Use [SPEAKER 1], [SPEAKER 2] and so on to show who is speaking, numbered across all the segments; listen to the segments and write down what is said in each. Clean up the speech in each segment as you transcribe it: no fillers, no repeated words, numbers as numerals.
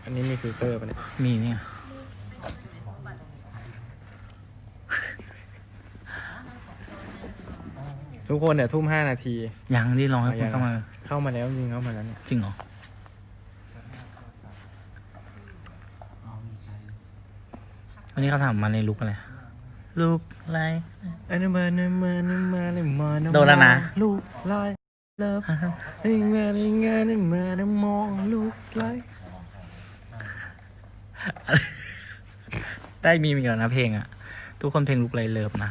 [SPEAKER 1] อันนี้มีฟิลเตอร์ปะเนี่ย
[SPEAKER 2] มีเนี่ย
[SPEAKER 1] ทุกคนเนี่ยทุ่ม5 นาที
[SPEAKER 2] ยังที่รอให้คนเข้ามา
[SPEAKER 1] แล้วจริงเข้ามาแล้วเนี่ย
[SPEAKER 2] จริงเหรอวันนี้เขาถามมาในลุกอะไรลุกอะไร
[SPEAKER 1] อันนี้มา
[SPEAKER 2] โดนแล้วนะ
[SPEAKER 1] ลูกไล่เลิฟให้มาในงานให้มาในมองลูกไล่
[SPEAKER 2] ได้มีก่อนนะเพลงอ่ะทุกคนเพลงลุกไรเลิฟนะ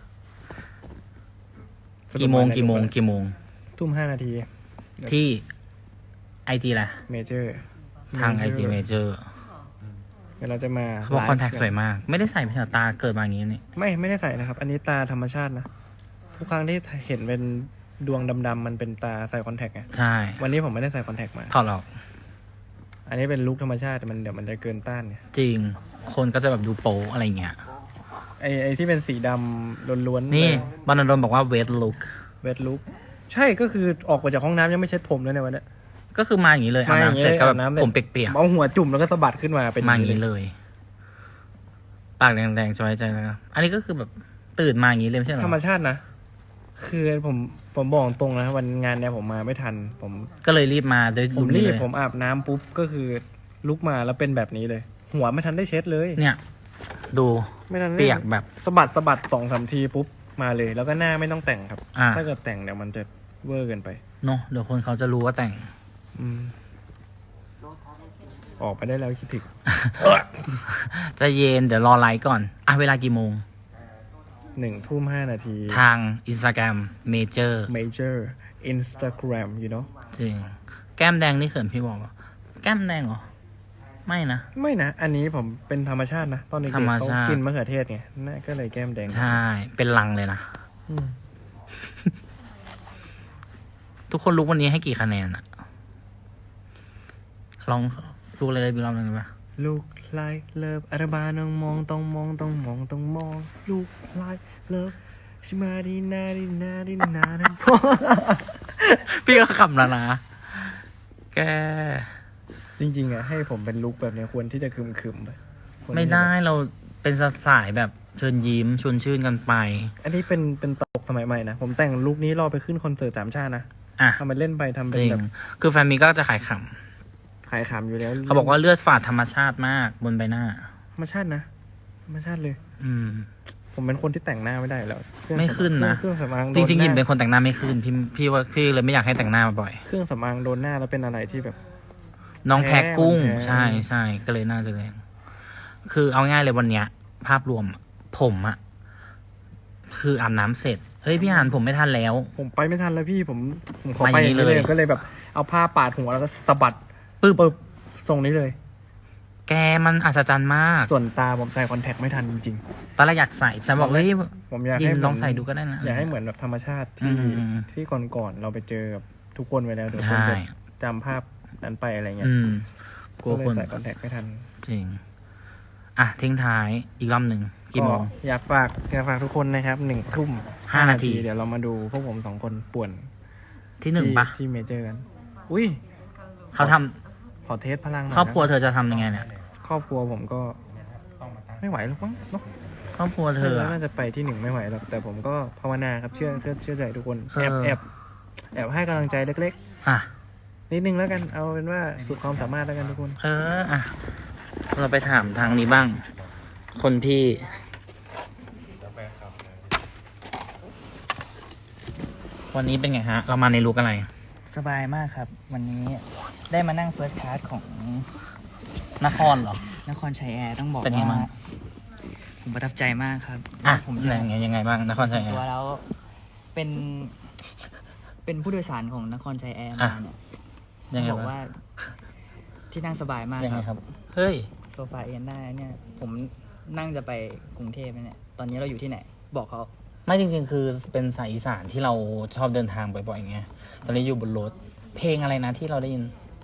[SPEAKER 2] กี่โมง
[SPEAKER 1] ทุ่ม5 นาที
[SPEAKER 2] ที่ไอจีแหละ
[SPEAKER 1] เมเจอร์
[SPEAKER 2] ทางไอจีเมเจอร์
[SPEAKER 1] เดี๋ยวเราจะมา
[SPEAKER 2] เขาบอกคอนแทคสวยมากไม่ได้ใส่เพียงตาเกิดมาอย่างนี้นี่
[SPEAKER 1] ไม่ได้ใส่นะครับ อันนี้ตาธรรมชาตินะทุกครั้งที่เห็นเป็นดวงดำๆมันเป็นตาใส่คอนแทคไง
[SPEAKER 2] ใช่
[SPEAKER 1] วันนี้ผมไม่ได้ใส่คอนแทคมา
[SPEAKER 2] ถอดออก
[SPEAKER 1] อันนี้เป็นลุคธรรมชาติเดี๋ยวมันจะเกินต้านเนี่ย
[SPEAKER 2] จริงคนก็จะแบบดูโป๊อะไรเงี้ย
[SPEAKER 1] ไอที่เป็นสีดำล้วน
[SPEAKER 2] ๆนี่บรรณดลบอกว่าเวทลุค
[SPEAKER 1] ใช่ก็คือออกมาจากห้องน้ำยังไม่เช็ดผมเลยในวันนี้
[SPEAKER 2] ก็คือมาอย่างนี้เลยอาบน้ำเสร็จก็แบบผมเปียก
[SPEAKER 1] ๆเอาหัวจุ่มแล้วก็สะบัดขึ้นมาเป็น
[SPEAKER 2] มาอย่างนี้เลยปากแดงๆสบายใจนะครับอันนี้ก็คือแบบตื่นมาอย่างนี้เลยไม่ใช่หรอ
[SPEAKER 1] ธรรมชาตินะคือผมบอกตรงนะวันงานเนี่ยผมมาไม่ทันผม
[SPEAKER 2] ก็เลยรีบมาโดย
[SPEAKER 1] ผมรีบผมอาบน้ำปุ๊บก็คือลุกมาแล้วเป็นแบบนี้เลย หัวไม่ทันได้เช็ดเลย
[SPEAKER 2] เนี่ยดู
[SPEAKER 1] ไม่ทัน
[SPEAKER 2] เปียกแบบ
[SPEAKER 1] สะบัด2-3 ทีปุ๊บมาเลยแล้วก็หน้าไม่ต้องแต่งครับถ้าเกิดแต่งเดี๋ยวมันจะเวอร์เกินไป
[SPEAKER 2] เนาะเดี๋ยวคนเขาจะรู้ว่าแต่ง
[SPEAKER 1] ออกไปได้แล้วคิดถึง
[SPEAKER 2] จะเย็นเดี๋ยวรอไลฟ์ก่อนเวลากี่โมง
[SPEAKER 1] ทุ่ม 5 นาที
[SPEAKER 2] ทาง Instagram Major
[SPEAKER 1] Instagram you know
[SPEAKER 2] จริงแก้มแดงนี่เขินพี่บอกว่าแก้มแดงเหรอไม่นะ
[SPEAKER 1] อันนี้ผมเป็นธรรมชาตินะตอนเด็กๆเขากินมะเขือเทศไงน่าก็เลยแก้มแดง
[SPEAKER 2] ใช่เป็นลังเลยนะทุกคนรู้วันนี้ให้กี่คะแนนอะลองดูเลยบีลองหนึ่งไหม
[SPEAKER 1] ลูกไล่เลิฟอาราบาต้องมองลูกไล่เลิฟชิมาดีนา
[SPEAKER 2] พี่ก็ขำแล้วนะแก
[SPEAKER 1] จริงๆอะให้ผมเป็นลุคแบบนี้ควรที่จะคึมไป
[SPEAKER 2] ไม่ได้เราเป็นสายแบบเชิญยิ้มชวนชื่นกันไป
[SPEAKER 1] อันนี้เป็นตลกสมัยใหม่นะผมแต่งลุคนี้รอไปขึ้นคอนเสิร์ต3 ชาตินะทำมันเล่นไปทำเป็นแบบ
[SPEAKER 2] คือแฟนมีก็จะขายขำ
[SPEAKER 1] อยู่แล้ว
[SPEAKER 2] เขาบอกว่าเลือดฝาดธรรมชาติมากบนใบหน้า
[SPEAKER 1] ธรรมชาติเลยผมเป็นคนที่แต่งหน้าไม่ได้แล้ว
[SPEAKER 2] ไม่ขึ้นนะ
[SPEAKER 1] เครื่องสำอาง
[SPEAKER 2] จริงๆยินเป็นคนแต่งหน้าไม่ขึ้นพี่ว่าพี่เลยไม่อยากให้แต่งหน้าบ่อย
[SPEAKER 1] เครื่องสำอางโดนหน้าแล้วเป็นอะไรที่แบบ
[SPEAKER 2] น้องแพ้กุ้งใช่ก็เลยน่าจะแรงคือเอาง่ายเลยวันเนี้ยภาพรวมผมอะคืออาบน้ำเสร็จเฮ้ยพี่อ่านผมไม่ทันแล้ว
[SPEAKER 1] ผมไปไม่ทันแล้วพี่ผมขอไปเลยก็เลยแบบเอาผ้าปาดหัวแล้วก็สะบัดปึ๊บทรงนี้เลย
[SPEAKER 2] แกมันอัศจรรย์มาก
[SPEAKER 1] ส่วนตาผมใส่คอนแทคไม่ทันจริง
[SPEAKER 2] ๆตอนแรกอยากใส่ฉันบอกเฮ้ย
[SPEAKER 1] ผมอยากให้
[SPEAKER 2] ลองใส่ดูก็ได้นะ
[SPEAKER 1] อยากให้เหมือนแบบธรรมชาติที่ก่อนเราไปเจอกับทุกคนไว้แล้วเดี๋ยวคนจะจำภาพนั้นไปอะไรเงี้ย
[SPEAKER 2] กลัวคน
[SPEAKER 1] ใส่คอนแทคไม่ทัน
[SPEAKER 2] จริงทิ้งท้ายอีกรอบหนึ่งกี่โมง
[SPEAKER 1] อยากฝากทุกคนนะครับทุ่ม 5 นาทีเดี๋ยวเรามาดูพวกผม2 คนป่วน
[SPEAKER 2] ที่1ปะ
[SPEAKER 1] ที่เมเจอร์กันอุ้ย
[SPEAKER 2] เขาทำ
[SPEAKER 1] ขอเทสพลัง
[SPEAKER 2] ครอบครัวเธอจะทำยังไงเนี่ย
[SPEAKER 1] ครอบครัวผมก็ไม่ไหวหรอกมั้งเนาะ
[SPEAKER 2] ครอบครัวเธอ
[SPEAKER 1] น่าจะไปที่1ไม่ไหวหรอกแต่ผมก็ภาวนาครับเชื่อใจทุกคนแอบให้กำลังใจเล็กๆนิดนึงแล้วกันเอาเป็นว่าสุดความสามารถแล้วกันทุกคน
[SPEAKER 2] เราไปถามทางนี้บ้างคนพี่วันนี้เป็นไงฮะเรามาในลุคอะไร
[SPEAKER 3] สบายมากครับวันนี้ได้มานั่ง First Class ของ
[SPEAKER 2] นครเหรอน
[SPEAKER 3] ครชัยแอร์ต้องบอก
[SPEAKER 2] ว่า
[SPEAKER 3] ผมประทับใจมากครับ
[SPEAKER 2] ผมยังไงบ้างนครชัยแอร์
[SPEAKER 3] ตัวแล้วเป็นผู้โดยสารของนครชัยแอร์มาเนี่ยบอกว่าที่นั่งสบายมาก
[SPEAKER 2] ครับเฮ้ย
[SPEAKER 3] โซฟาเอนได้เนี่ยผมนั่งจะไปกรุงเทพเนี่ยตอนนี้เราอยู่ที่ไหนบอกเขา
[SPEAKER 2] ไม่จริงๆคือเป็นสายอีสานที่เราชอบเดินทางบ่อยๆไงตอนนี้อยู่บนรถเพลงอะไรนะที่เราได้ยิน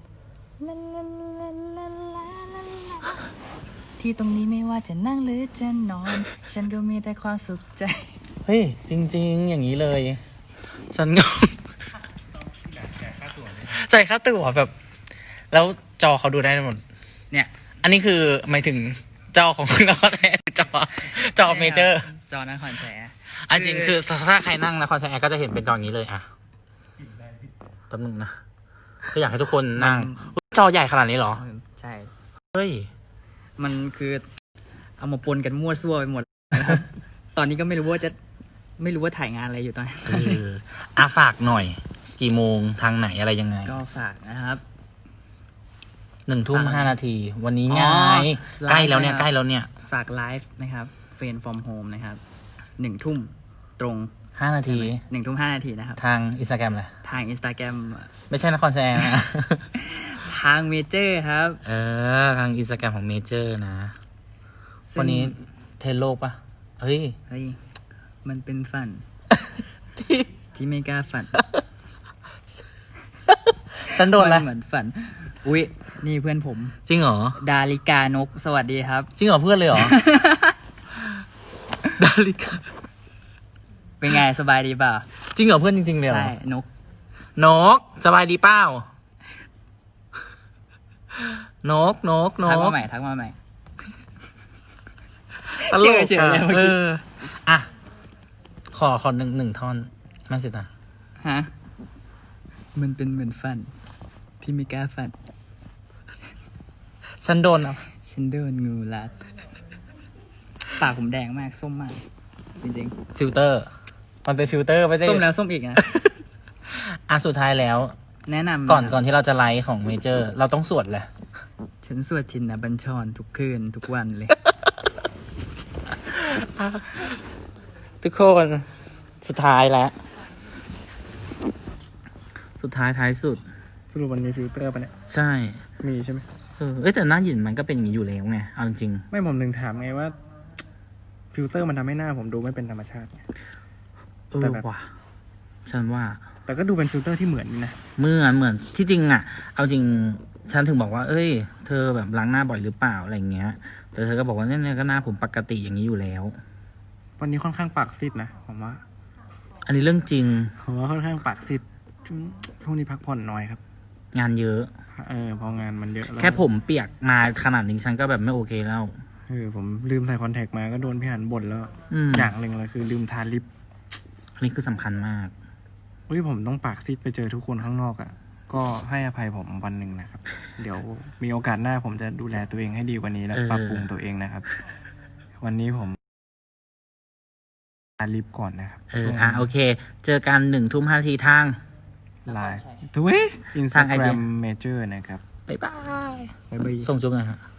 [SPEAKER 3] ที่ตรงนี้ไม่ว่าจะนั่งหรือจะนอนฉันก็มีแต่ความสุขใจ
[SPEAKER 2] เฮ้ยจริงๆอย่างนี้เลยฉันก็จ่ายค่าตั๋วแบบแล้วจอเขาดูได้หมด
[SPEAKER 3] เนี่ย
[SPEAKER 2] อันนี้คือหมายถึงจอของนครชัยจอเมเจอร์
[SPEAKER 3] จอนครชัยแอร์
[SPEAKER 2] อันจริงคือถ้าใครนั่งนครชัยแอร์ก็จะเห็นเป็นจออย่างนี้เลยอ่ะแป๊บนึงนะก็อยากให้ทุกคนนั่งจอใหญ่ขนาดนี้เหรอ
[SPEAKER 3] ใช่
[SPEAKER 2] เฮ้ย
[SPEAKER 3] มันคือเอามาปนกันมั่วซั่วไปหมดนะครับ ตอนนี้ก็ไม่รู้ว่าถ่ายงานอะไรอยู่ตอนนี้
[SPEAKER 2] ฝากหน่อย กี่โมงทางไหนอะไรยังไง
[SPEAKER 3] ก็ฝากนะครับ
[SPEAKER 2] 1:05 วันนี้ไง
[SPEAKER 3] อ๋อ
[SPEAKER 2] ใกล้แล้วเนี่ย
[SPEAKER 3] ไลฟ์นะครับ
[SPEAKER 2] ใกล้แล้วเนี่ย
[SPEAKER 3] ฝากไลฟ์นะครับเฟรนฟอร์มโฮมนะครับ1 ทุ่มตรง
[SPEAKER 2] 5 นาที
[SPEAKER 3] 1 ทุ่ม 5 นาทีนะครับ
[SPEAKER 2] ทางอินสตาแกรมแหละ
[SPEAKER 3] ทาง Instagram
[SPEAKER 2] ไม่ใช่นครชัยแอร์นะ
[SPEAKER 3] ทางเมเจอร์ครับ
[SPEAKER 2] ทางอินสตาแกรมของเมเจอร์นะ
[SPEAKER 3] ซึ่ง
[SPEAKER 2] วันนี้เทรนโลกปะเฮ้ย
[SPEAKER 3] เฮ้ยมันเป็นฝัน ที่ไม่กล้าฝัน
[SPEAKER 2] ฉันโดนอะไร
[SPEAKER 3] มัเหมือนฝัน อุ๊ย นี่เพื่อนผม
[SPEAKER 2] จริงเหรอ
[SPEAKER 3] ดาริกานก สวัสดีครับ
[SPEAKER 2] จริงเหรอเพื่อนเลยเหรอ ดาริกา
[SPEAKER 3] เป็นไงสบายดีเปล่า
[SPEAKER 2] จริงเหรอเพื่อนจริงๆเลยเหรอ
[SPEAKER 3] ใช่ นก
[SPEAKER 2] นกสบายดีเปล่า นก
[SPEAKER 3] ทักมาใหม่ทักมาใหม่
[SPEAKER 2] ตลก
[SPEAKER 3] เฉยๆเลยเมื่อกี้
[SPEAKER 2] อ่ะขอหนึ่งท่อนมาสิตา
[SPEAKER 3] ฮะ มันเป็นเหมือนฝัน ที่ไม่กล้าฝัน
[SPEAKER 2] ฉันโดนอ่ะ
[SPEAKER 3] ฉันโดนงูรัดปากผมแดงมาก ส้มมาก จริง
[SPEAKER 2] ฟิลเตอร์ มันเป็นฟิลเตอร์ไม่ใช่
[SPEAKER 3] ๆ ส้มแล้วส้มอีกนะ
[SPEAKER 2] สุดท้ายแล้ว
[SPEAKER 3] แนะนำ
[SPEAKER 2] ก่อนที่เราจะไลฟ์ของเมเจอร์ เราต้องสวดแหละ
[SPEAKER 3] ฉันสวดชินบัญชรทุกคืนทุกวันเลย
[SPEAKER 2] ทุกคนสุดท้ายแล้ว สุดท้ายท้ายสุด
[SPEAKER 1] สรุปมันมีฟิลเตอร์ปะเนี่ย
[SPEAKER 2] ใช่
[SPEAKER 1] มีใช่ไหม
[SPEAKER 2] แต่หน้าหยินมันก็เป็นอย่างนี้อยู่แล้วไงเอาจริง
[SPEAKER 1] ไม่ผมถึงถามไงว่า ฟิลเตอร์มันทำให้หน้าผมดูไม่เป็นธรรมชาติไง แต่แบบ
[SPEAKER 2] ว่ะฉันว่า
[SPEAKER 1] แต่ก็ดูเป็นฟิลเตอร์ที่เหมือนนี่นะ
[SPEAKER 2] เหมือนที่จริงอ่ะ เอาจริงฉันถึงบอกว่า เอ้ย เธอแบบล้างหน้าบ่อยหรือเปล่าอะไรเงี้ย แต่เธอก็บอกว่าเนี่ยก็หน้าผมปกติอย่างนี้อยู่แล้ว
[SPEAKER 1] วันนี้ค่อนข้างปากซีดนะผมว่า
[SPEAKER 2] อันนี้เรื่องจริง
[SPEAKER 1] ผมว่าค่อนข้างปากซีดช่วงนี้พักผ่อนน้อยครับ
[SPEAKER 2] งานเยอะ
[SPEAKER 1] พองานมันเยอะล้ว
[SPEAKER 2] แค่ผมเปียกมาขนาดนี้ฉันก็แบบไม่โอเคแล้ว
[SPEAKER 1] ผมลืมใส่คอนแทคมาก็โดนพี่หันบ่นแล้ว อย่างหนึ่งเลยคือลืมทาลิป
[SPEAKER 2] อันนี้คือสำคัญมาก
[SPEAKER 1] ผมต้องปากซีดไปเจอทุกคนข้างนอกอ่ะ ก็ให้อภัยผมวันหนึ่งนะครับ เดี๋ยวมีโอกาสหน้าผมจะดูแลตัวเองให้ดีกว่านี้และปรับปรุงตัวเองนะครับ วันนี้ผมทาลิปก่อนนะครับ
[SPEAKER 2] โอเค เจอกัน1:05 ทาง
[SPEAKER 1] ไลน์ทุยอินสตาแกรมเมเจอร์นะครับ
[SPEAKER 2] บ๊ายบาย
[SPEAKER 1] บ๊ายบาย
[SPEAKER 2] ส่งจุ๊บหน่อยฮะ